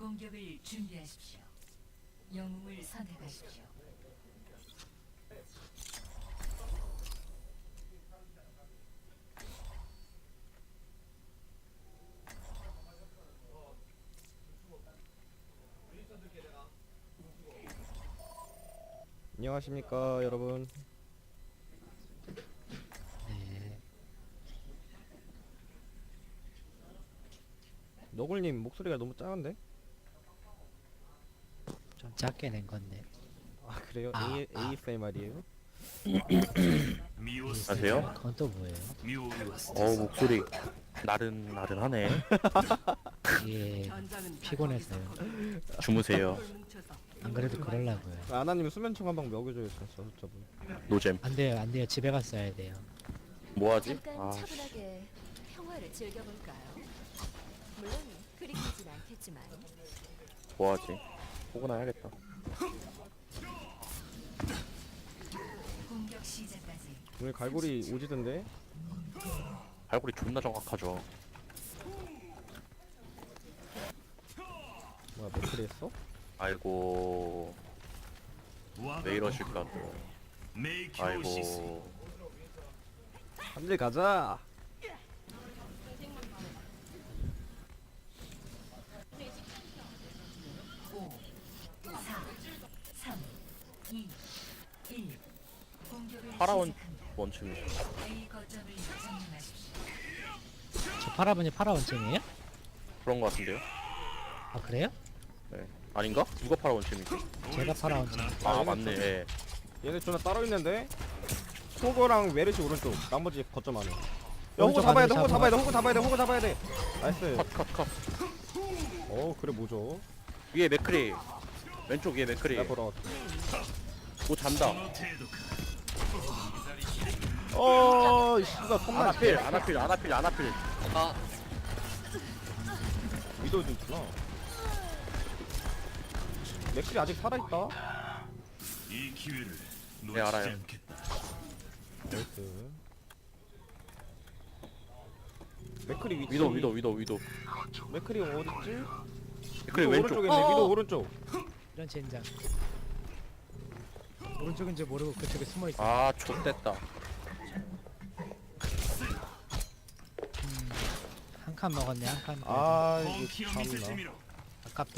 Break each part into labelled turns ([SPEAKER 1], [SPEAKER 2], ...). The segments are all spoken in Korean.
[SPEAKER 1] 공격을 준비하십시오. 영웅을 선택하십시오.
[SPEAKER 2] 안녕하십니까 여러분.
[SPEAKER 3] 네,
[SPEAKER 2] 너굴님 목소리가 너무 작은데?
[SPEAKER 3] 좀 작게 낸 건데.
[SPEAKER 2] 아 그래요? ASMR이에요?
[SPEAKER 4] 안녕하세요.
[SPEAKER 3] 그건 또 뭐예요?
[SPEAKER 4] 목소리 나른나른하네.
[SPEAKER 3] 이게 피곤해서요.
[SPEAKER 4] 주무세요.
[SPEAKER 3] 안 그래도 그러려고요.
[SPEAKER 2] 아나님 수면총 한 방 먹여줘요 저분.
[SPEAKER 4] 노잼.
[SPEAKER 3] 안 돼요, 안 돼요. 집에 갔어야 돼요.
[SPEAKER 4] 뭐하지?
[SPEAKER 5] 잠깐 차분하게 평화를 즐겨볼까요? 물론 그리 길진 않겠지만
[SPEAKER 4] 뭐하지? 포근해야겠다.
[SPEAKER 1] 공격 시작까지
[SPEAKER 2] 오늘 갈고리 오지던데?
[SPEAKER 4] 발골이 존나 정확하죠.
[SPEAKER 2] 뭐야 맥크리 했어?
[SPEAKER 4] 아이고 왜 이러실까 또. 아이고
[SPEAKER 2] 한일 가자.
[SPEAKER 1] 공격을
[SPEAKER 4] 파라원
[SPEAKER 1] 시작합니다.
[SPEAKER 4] 원춤이.
[SPEAKER 1] A 거점을 점령하십시오.
[SPEAKER 3] 저 파라분이 파라 원증이에요?
[SPEAKER 4] 그런 거 같은데요?
[SPEAKER 3] 아 그래요?
[SPEAKER 4] 네. 아닌가? 누가 파라 원춤이지?
[SPEAKER 3] 제가 파라 원증.
[SPEAKER 4] 아 맞네. 예.
[SPEAKER 2] 얘네 존나 따로 있는데? 호거랑 메르시 오른쪽 나머지 거점 안에. 야 호거
[SPEAKER 3] 오른쪽
[SPEAKER 2] 잡아야 돼
[SPEAKER 3] 안에
[SPEAKER 2] 호거
[SPEAKER 3] 잡아.
[SPEAKER 2] 잡아야 돼 호거 잡아야 돼 호거 잡아야 돼. 나이스.
[SPEAKER 4] 컷.
[SPEAKER 2] 그래 뭐죠?
[SPEAKER 4] 위에 맥크리. 왼쪽 위에 맥크리.
[SPEAKER 2] 나 보러.
[SPEAKER 4] 뭐 잔다.
[SPEAKER 2] 씨가 컵나.
[SPEAKER 4] 아나필.
[SPEAKER 2] 위도우 좀 있구나. 맥클이 아직 살아있다.
[SPEAKER 6] 이 기회를
[SPEAKER 4] 네,
[SPEAKER 6] 놓치지
[SPEAKER 4] 알아요.
[SPEAKER 6] 않겠다.
[SPEAKER 2] 나이스. 맥클이 위치.
[SPEAKER 4] 위도.
[SPEAKER 2] 맥클이 어딨지?
[SPEAKER 4] 맥크리
[SPEAKER 2] 위도우
[SPEAKER 4] 왼쪽.
[SPEAKER 2] 오른쪽에 있네. 위도우 오른쪽.
[SPEAKER 3] 이런 젠장. 오른쪽인지 모르고 그쪽에 숨어 있어.
[SPEAKER 4] 아 좆됐다.
[SPEAKER 3] 한 칸 먹었네, 한 칸.
[SPEAKER 2] 이거 참나.
[SPEAKER 3] 아깝다.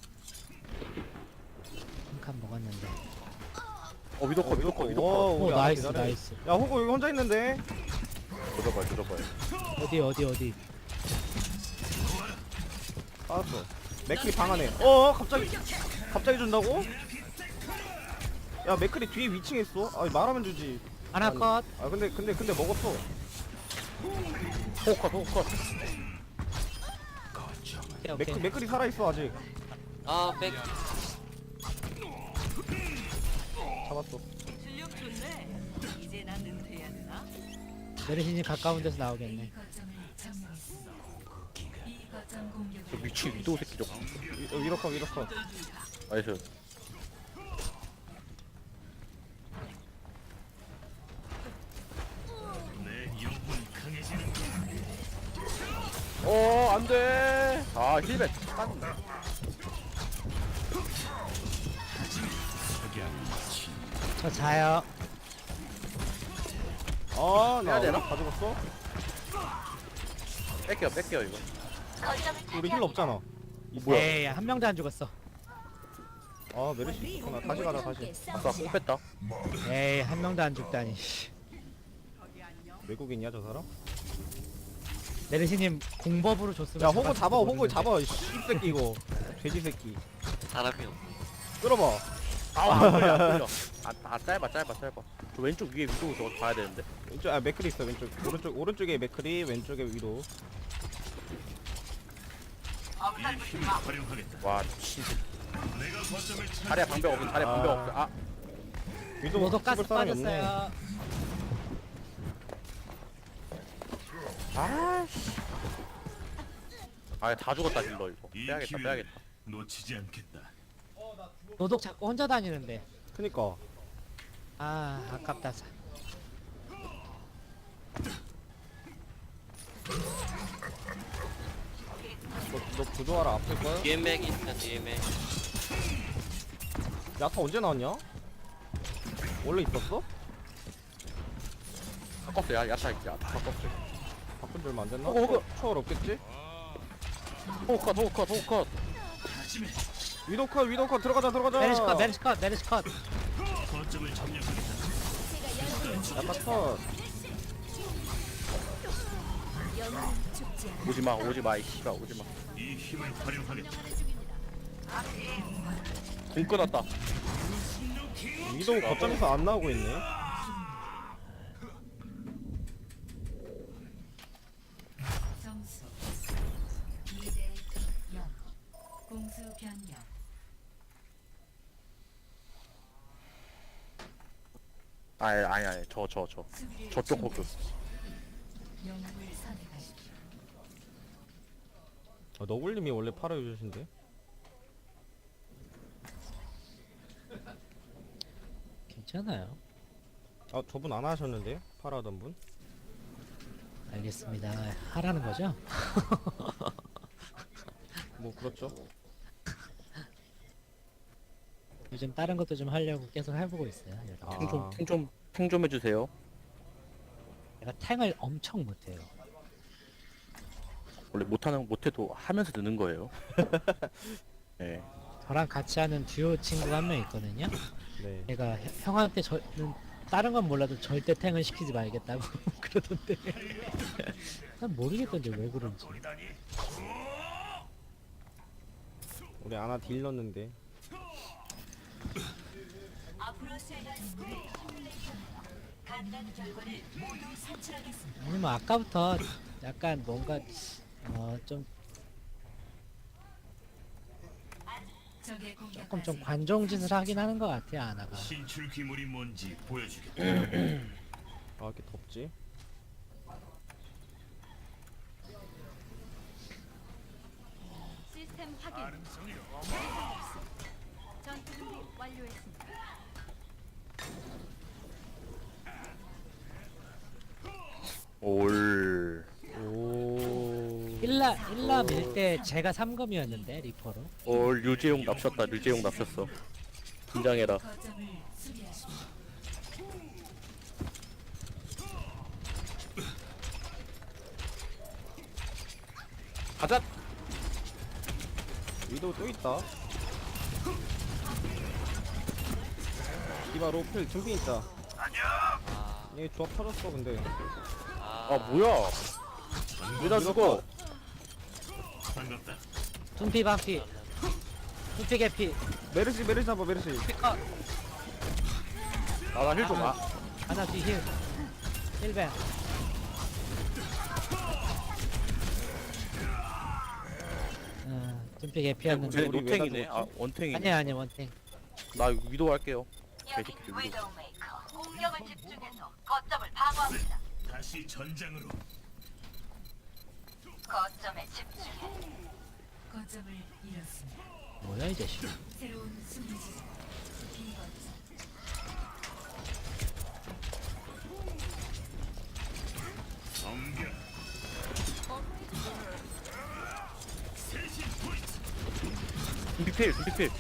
[SPEAKER 3] 한 칸 먹었는데.
[SPEAKER 4] 위도 컷.
[SPEAKER 2] 우리
[SPEAKER 3] 나이스,
[SPEAKER 2] 잘해.
[SPEAKER 3] 나이스.
[SPEAKER 2] 야 호구 여기 혼자 있는데.
[SPEAKER 4] 조져봐요.
[SPEAKER 3] 어디?
[SPEAKER 2] 알았어. 맥클이 방 안에. 갑자기 준다고? 야 맥클이 뒤에 위층에 있어. 말하면 주지.
[SPEAKER 3] 하나 컷.
[SPEAKER 2] 근데 먹었어.
[SPEAKER 4] 호컷.
[SPEAKER 3] 오케이.
[SPEAKER 2] 맥클이 살아 있어 아직.
[SPEAKER 7] 백
[SPEAKER 2] 잡았어.
[SPEAKER 1] 실력 좋네. 이제 난 은퇴해야 되나?
[SPEAKER 3] 메르신이 가까운 데서
[SPEAKER 1] A
[SPEAKER 3] 나오겠네.
[SPEAKER 1] 거점을 점령했습니다. B 거점 공격을
[SPEAKER 4] 저 미친 위도 새끼 저.
[SPEAKER 2] 위로커.
[SPEAKER 4] 나이스.
[SPEAKER 6] 내 영혼이 강해지는
[SPEAKER 4] 안돼. 힐벳.
[SPEAKER 3] 저 자요.
[SPEAKER 2] 나
[SPEAKER 4] 해야 되나?
[SPEAKER 2] 다 죽었어?
[SPEAKER 4] 뺄게요 이거.
[SPEAKER 2] 우리 힐 없잖아.
[SPEAKER 4] 뭐야?
[SPEAKER 3] 에이, 한 명도 안 죽었어.
[SPEAKER 2] 메르시 있구나. 다시 가자 다시.
[SPEAKER 4] 아까 꼭 뺐다.
[SPEAKER 3] 에이, 한 명도 안 죽다니. 씨.
[SPEAKER 2] 외국인이야 저 사람?
[SPEAKER 3] 메르시님 공법으로 줬으면.
[SPEAKER 2] 야 호구
[SPEAKER 3] 잡았을지
[SPEAKER 2] 잡아 호구
[SPEAKER 3] 모르는데.
[SPEAKER 2] 잡아. 씹새끼 이거. 돼지 새끼.
[SPEAKER 7] 사람이 없.
[SPEAKER 2] 끌어봐.
[SPEAKER 4] 안 끌려. 짧아. 저 왼쪽 위에 위도 저거 봐야 되는데.
[SPEAKER 2] 왼쪽 맥클이 있어 왼쪽. 오른쪽에 맥클이 왼쪽에 위도.
[SPEAKER 6] 이 힘을 활용하겠다.
[SPEAKER 4] 와 미친.
[SPEAKER 6] 내가 거점을
[SPEAKER 4] 자리야 방벽 없어.
[SPEAKER 2] 위도
[SPEAKER 3] 모두 가스
[SPEAKER 2] 씹을 사람이 없네.
[SPEAKER 3] 빠졌어요.
[SPEAKER 4] 다 죽었다 딜러 이거.
[SPEAKER 6] 이
[SPEAKER 4] 빼야겠다.
[SPEAKER 6] 기회를 놓치지 않겠다.
[SPEAKER 3] 노독 자꾸 혼자 다니는데.
[SPEAKER 2] 그니까.
[SPEAKER 3] 아깝다.
[SPEAKER 2] 너 부조하라 아플걸?
[SPEAKER 7] 뒤에 맥 있어 뒤에 맥.
[SPEAKER 2] 야타 언제 나왔냐? 원래 있었어?
[SPEAKER 4] 바꿨어. 야샤 바꿨어.
[SPEAKER 2] 바꾼 지 얼마 안 됐나?
[SPEAKER 4] 호그.
[SPEAKER 2] 초월 없겠지?
[SPEAKER 4] 호컷.
[SPEAKER 2] 위도컷 들어가자
[SPEAKER 3] 메르시컷.
[SPEAKER 6] 거점을 점령하겠다.
[SPEAKER 2] 야타 컷
[SPEAKER 5] 영웅은 죽지 않아.
[SPEAKER 4] 오지마 이 씨발 오지마.
[SPEAKER 6] 이 힘을 활용하겠다.
[SPEAKER 4] 공 끊었다.
[SPEAKER 2] 위도우 거점에서 안 나오고 있네.
[SPEAKER 1] 점수 2대 0. 공수 변경.
[SPEAKER 4] 아니 저
[SPEAKER 1] 수비를
[SPEAKER 4] 저쪽 호그.
[SPEAKER 1] 영웅을 선택하십시오.
[SPEAKER 2] 너굴님이 원래 팔아 유저신데?
[SPEAKER 3] 괜찮아요.
[SPEAKER 2] 아 저분 안 하셨는데? 팔아 하던 분?
[SPEAKER 3] 알겠습니다. 하라는 거죠?
[SPEAKER 2] 뭐 그렇죠.
[SPEAKER 3] 요즘 다른 것도 좀 하려고 계속 해보고 있어요.
[SPEAKER 2] 아.
[SPEAKER 4] 탱 좀 해주세요.
[SPEAKER 3] 내가 탱을 엄청 못해요.
[SPEAKER 4] 원래 못해도 하면서 느는 거예요. 네.
[SPEAKER 3] 저랑 같이 하는 듀오 친구가 한 명 있거든요.
[SPEAKER 2] 네.
[SPEAKER 3] 얘가 형한테 저는 다른 건 몰라도 절대 탱을 시키지 말겠다고 그러던데. 난 모르겠던데 왜 그런지.
[SPEAKER 2] 우리 아나 딜 넣는데.
[SPEAKER 3] 아니면 아까부터 약간 뭔가 좀
[SPEAKER 1] 적의 공격까지
[SPEAKER 3] 조금 좀 관종짓을 하긴 하는 것 같아요 아나가.
[SPEAKER 6] 신출 귀물이 뭔지 보여주겠다.
[SPEAKER 2] 아 이렇게 덥지?
[SPEAKER 5] 시스템 확인. 전투 준비 완료했습니다.
[SPEAKER 4] 올.
[SPEAKER 2] 오.
[SPEAKER 3] 일라 밀 때 제가 3검이었는데 리퍼로.
[SPEAKER 4] 올 류재용 납셨다. 류재용 납셨어. 긴장해라.
[SPEAKER 1] 거점을 수비하십시오.
[SPEAKER 4] 가자.
[SPEAKER 2] 위도우 또 있다. 디바 로필 준비 있다.
[SPEAKER 7] 아,
[SPEAKER 2] 얘 조합 터졌어 근데.
[SPEAKER 4] 아 뭐야? 왜 나 죽어?
[SPEAKER 6] 반갑다.
[SPEAKER 3] 둠피 반피. 둠피 개피.
[SPEAKER 2] 메르시 잡아 메르시.
[SPEAKER 3] 피커.
[SPEAKER 4] 나힐 좀.
[SPEAKER 3] 하나 뒤 힐. 힐벤. 둠피 개피였는데.
[SPEAKER 4] 쟤
[SPEAKER 2] 우리
[SPEAKER 4] 노탱이네.
[SPEAKER 2] 왜 다
[SPEAKER 4] 아 원탱이네.
[SPEAKER 3] 아니야 원탱.
[SPEAKER 4] 나 위도 할게요. 개새끼들 위도.
[SPEAKER 6] 다시 전장으로.
[SPEAKER 1] 거점을 잃었습니다.
[SPEAKER 3] 뭐야 이 자식.
[SPEAKER 1] 새로운 수비지. 비거점.
[SPEAKER 6] 넘겨.
[SPEAKER 4] 둠피필.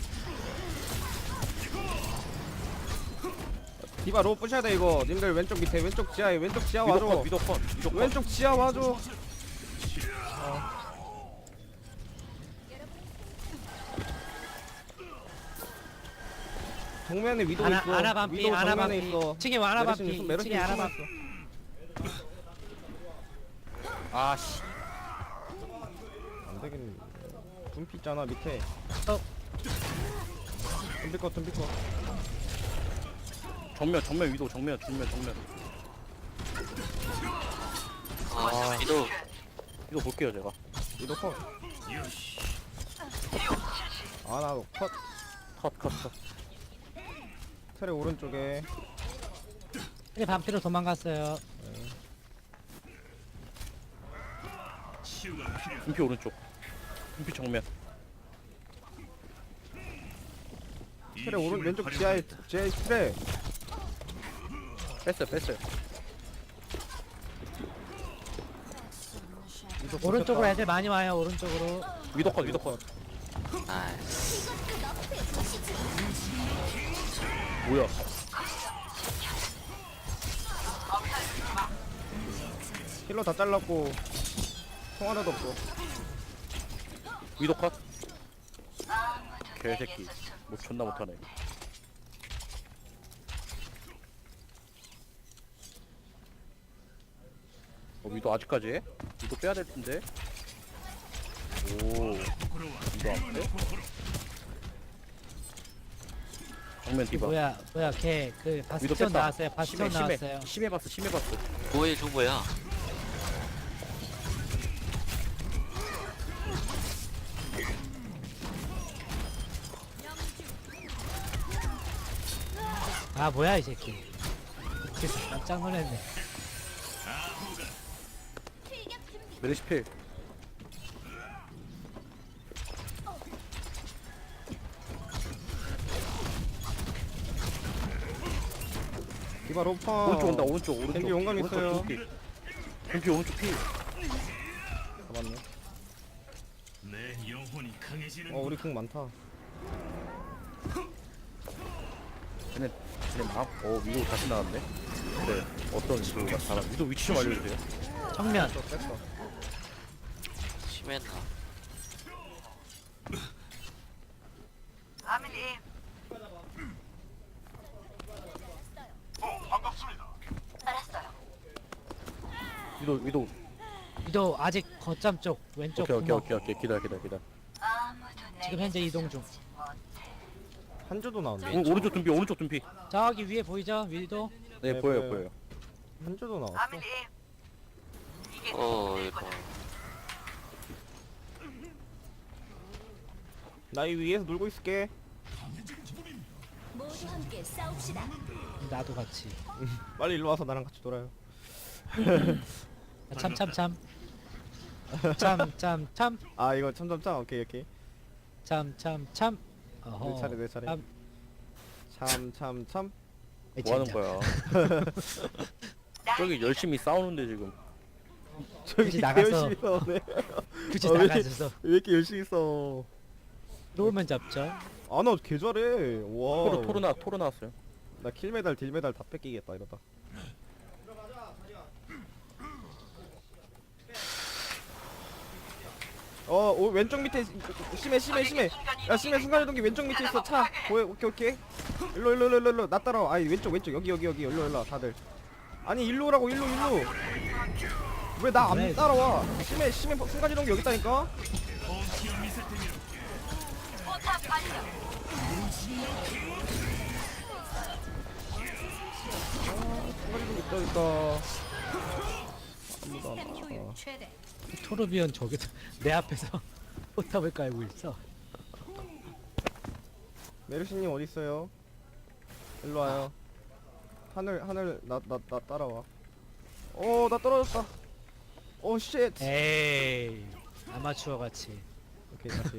[SPEAKER 2] 디바 로 부셔야 돼 이거. 님들 왼쪽 밑에 왼쪽 지하에 왼쪽 지하 와줘.
[SPEAKER 4] 위도 컷.
[SPEAKER 2] 왼쪽 지하 와줘. 정면에 위도 있어.
[SPEAKER 3] 아나 반피.
[SPEAKER 2] 위도
[SPEAKER 3] 아나
[SPEAKER 2] 정면에
[SPEAKER 3] 반피.
[SPEAKER 2] 있어.
[SPEAKER 3] 층에 아나 반피.
[SPEAKER 2] 메르시
[SPEAKER 3] 층에 아나
[SPEAKER 2] 숨어
[SPEAKER 3] 반피.
[SPEAKER 2] 있어.
[SPEAKER 4] 아씨.
[SPEAKER 2] 안 되겠네. 둠피 있잖아 밑에.
[SPEAKER 3] 어.
[SPEAKER 2] 둠피 컷.
[SPEAKER 4] 정면 위도 정면.
[SPEAKER 7] 아, 위도
[SPEAKER 4] 위도 볼게요 제가.
[SPEAKER 2] 위도 컷.
[SPEAKER 6] 요시.
[SPEAKER 2] 아나 컷.
[SPEAKER 4] 컷.
[SPEAKER 2] 트레 오른쪽에.
[SPEAKER 3] 층에 반피로 도망갔어요.
[SPEAKER 6] 치유가 필요하다.
[SPEAKER 4] 둠피 오른쪽. 둠피 정면.
[SPEAKER 6] 이
[SPEAKER 2] 트레 오른
[SPEAKER 6] 힘을
[SPEAKER 2] 왼쪽
[SPEAKER 6] 활용하겠다.
[SPEAKER 2] 지하에 트레.
[SPEAKER 4] 뺐어요.
[SPEAKER 2] 위도
[SPEAKER 3] 오른쪽으로 애들 많이 와요. 오른쪽으로.
[SPEAKER 4] 위도 컷 위도 컷.
[SPEAKER 7] 나이스.
[SPEAKER 4] 뭐야?
[SPEAKER 2] 힐러 다 잘랐고 총 하나도 없어.
[SPEAKER 4] 위도 컷. 개새끼. 뭐 존나 못하네. 위도 아직까지 해? 위도 빼야 될 텐데. 오. 위도 안 빼? 정면 디바.
[SPEAKER 3] 뭐야 걔 그
[SPEAKER 4] 위도
[SPEAKER 3] 바스티온
[SPEAKER 4] 뺐다.
[SPEAKER 3] 나왔어요. 바스티온 나왔어요.
[SPEAKER 4] 심해 봤어 심해 봤어.
[SPEAKER 7] 뭐해 줘 뭐야?
[SPEAKER 3] 아 뭐야 이 새끼. 그래서 깜짝 놀랐네.
[SPEAKER 4] 메르시필.
[SPEAKER 2] 디바 로파.
[SPEAKER 4] 오른쪽 온다 오른쪽 오른쪽.
[SPEAKER 2] 겐지 용감
[SPEAKER 4] 오른쪽
[SPEAKER 2] 있어요.
[SPEAKER 4] 피. 겐지 오른쪽 피. 잡았네.
[SPEAKER 6] 내 영혼이 강해지는
[SPEAKER 2] 우리 궁 많다.
[SPEAKER 4] 쟤네 막. 위도 다시 나왔네. 그래 어떤 위도가 다 위도 위치 좀 알려주세요.
[SPEAKER 3] 정면.
[SPEAKER 2] 뺐어.
[SPEAKER 7] 심했나?
[SPEAKER 4] 위도.
[SPEAKER 3] 위도 아직 거점 쪽 왼쪽
[SPEAKER 4] 오케이
[SPEAKER 3] 구멍.
[SPEAKER 4] 기다려.
[SPEAKER 3] 지금 현재 이동 중.
[SPEAKER 2] 한조도 나왔네.
[SPEAKER 4] 오른쪽 둔피.
[SPEAKER 3] 저기 위에 보이죠? 위도.
[SPEAKER 4] 네
[SPEAKER 2] 네,
[SPEAKER 4] 보여요.
[SPEAKER 2] 보여요. 한조도 나왔어.
[SPEAKER 7] 이거
[SPEAKER 2] 나 이 위에서 놀고 있을게.
[SPEAKER 5] 모두 함께 싸웁시다.
[SPEAKER 3] 나도 같이.
[SPEAKER 2] 빨리 일로 와서 나랑 같이 놀아요.
[SPEAKER 3] 참. 참.
[SPEAKER 2] 아 이거 참참참. 오케이.
[SPEAKER 3] 참. 어허.
[SPEAKER 2] 내 차례. 참참참.
[SPEAKER 4] 뭐 하는 거야? 저기 열심히 싸우는데 지금.
[SPEAKER 2] 저기
[SPEAKER 3] 굳이 나가서.
[SPEAKER 2] 열심히 싸우네.
[SPEAKER 3] 굳이
[SPEAKER 2] 왜
[SPEAKER 3] 나가셔서
[SPEAKER 2] 이렇게 열심히 싸워?
[SPEAKER 3] 놓으면 잡죠.
[SPEAKER 2] 아나 개 잘해. 와.
[SPEAKER 4] 토로 나왔어요.
[SPEAKER 2] 나 킬메달 딜메달 다 뺏기겠다 이러다. 왼쪽 밑에 심해. 야 심해 순간이동기 왼쪽 밑에 있어. 차 보여. 오케이. 일로 나 따라와. 아니 왼쪽 여기 일로 다들. 아니 일로 오라고 일로. 왜 나 안
[SPEAKER 3] 왜?
[SPEAKER 2] 따라와? 심해 순간이동기 여기 있다니까. 순간이동기 있다. 아무도 안 와.
[SPEAKER 5] 효율 최대.
[SPEAKER 3] 토르비언 저기 내 앞에서 포탑을 깔고 있어.
[SPEAKER 2] 메르시님 어디 있어요? 일로 와요. 하늘 나 따라와. 나 떨어졌다. 쉣.
[SPEAKER 3] 에이 아마추어 같이.
[SPEAKER 2] 오케이 다시.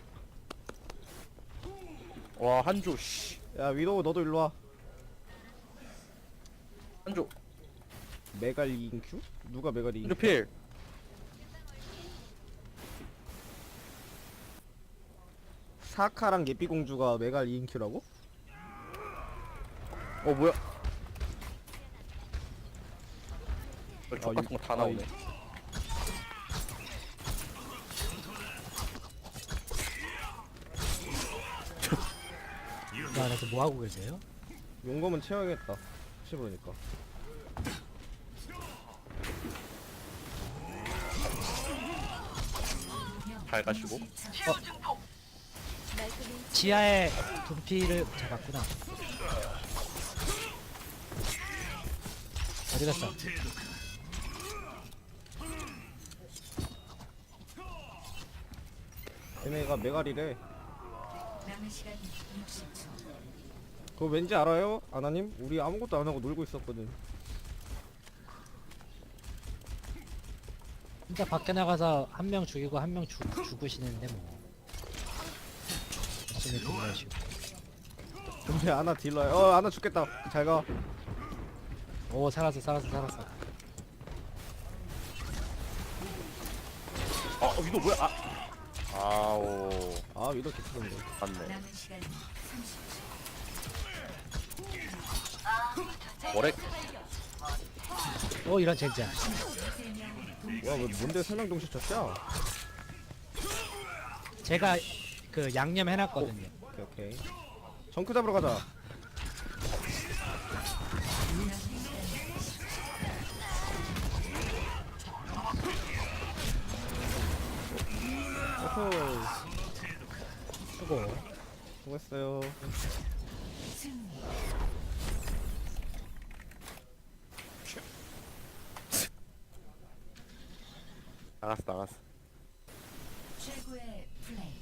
[SPEAKER 4] 와 한조 씨.
[SPEAKER 2] 야 위도우 너도 일로 와.
[SPEAKER 4] 한조
[SPEAKER 2] 메갈 2인큐? 누가 메갈 2인큐?
[SPEAKER 4] 필.
[SPEAKER 2] 사카랑 예삐공주가 메갈 2인큐라고?
[SPEAKER 4] 뭐야? 저
[SPEAKER 2] 아,
[SPEAKER 4] 같은 거 다 나오네.
[SPEAKER 3] 야, 나서 뭐 하고 계세요?
[SPEAKER 2] 용검은 채워야겠다. 혹시 모르니까.
[SPEAKER 4] 잘 가시고.
[SPEAKER 5] 말끔히
[SPEAKER 3] 지하에 둔피를 잡았구나. 어디 갔어?
[SPEAKER 2] 얘네가 메갈이래.
[SPEAKER 1] 남은 시간 60초.
[SPEAKER 2] 그거 왠지 알아요? 아나님? 우리 아무것도 안 하고 놀고 있었거든.
[SPEAKER 3] 진짜 밖에 나가서 한 명 죽이고 한 명 죽으시는데 뭐. 열심히 딜러시고.
[SPEAKER 2] 근데 아나 딜러야. 아나 죽겠다. 잘 가.
[SPEAKER 3] 오 살았어.
[SPEAKER 4] 위도 뭐야? 아오
[SPEAKER 2] 아 위도 개치던데.
[SPEAKER 4] 맞네.
[SPEAKER 1] 남은 시간 30초.
[SPEAKER 4] 뭐래?
[SPEAKER 3] 이런 젠장.
[SPEAKER 2] 와왜 뭔데 설명 동시 쳤죠?
[SPEAKER 3] 제가 그 양념 해놨거든요.
[SPEAKER 2] 오케이 오케이. 정크 잡으러 가자. 어허.
[SPEAKER 3] 수고.
[SPEAKER 2] 수고했어요.
[SPEAKER 4] 나갔어 나갔어.
[SPEAKER 1] 최고의 플레이.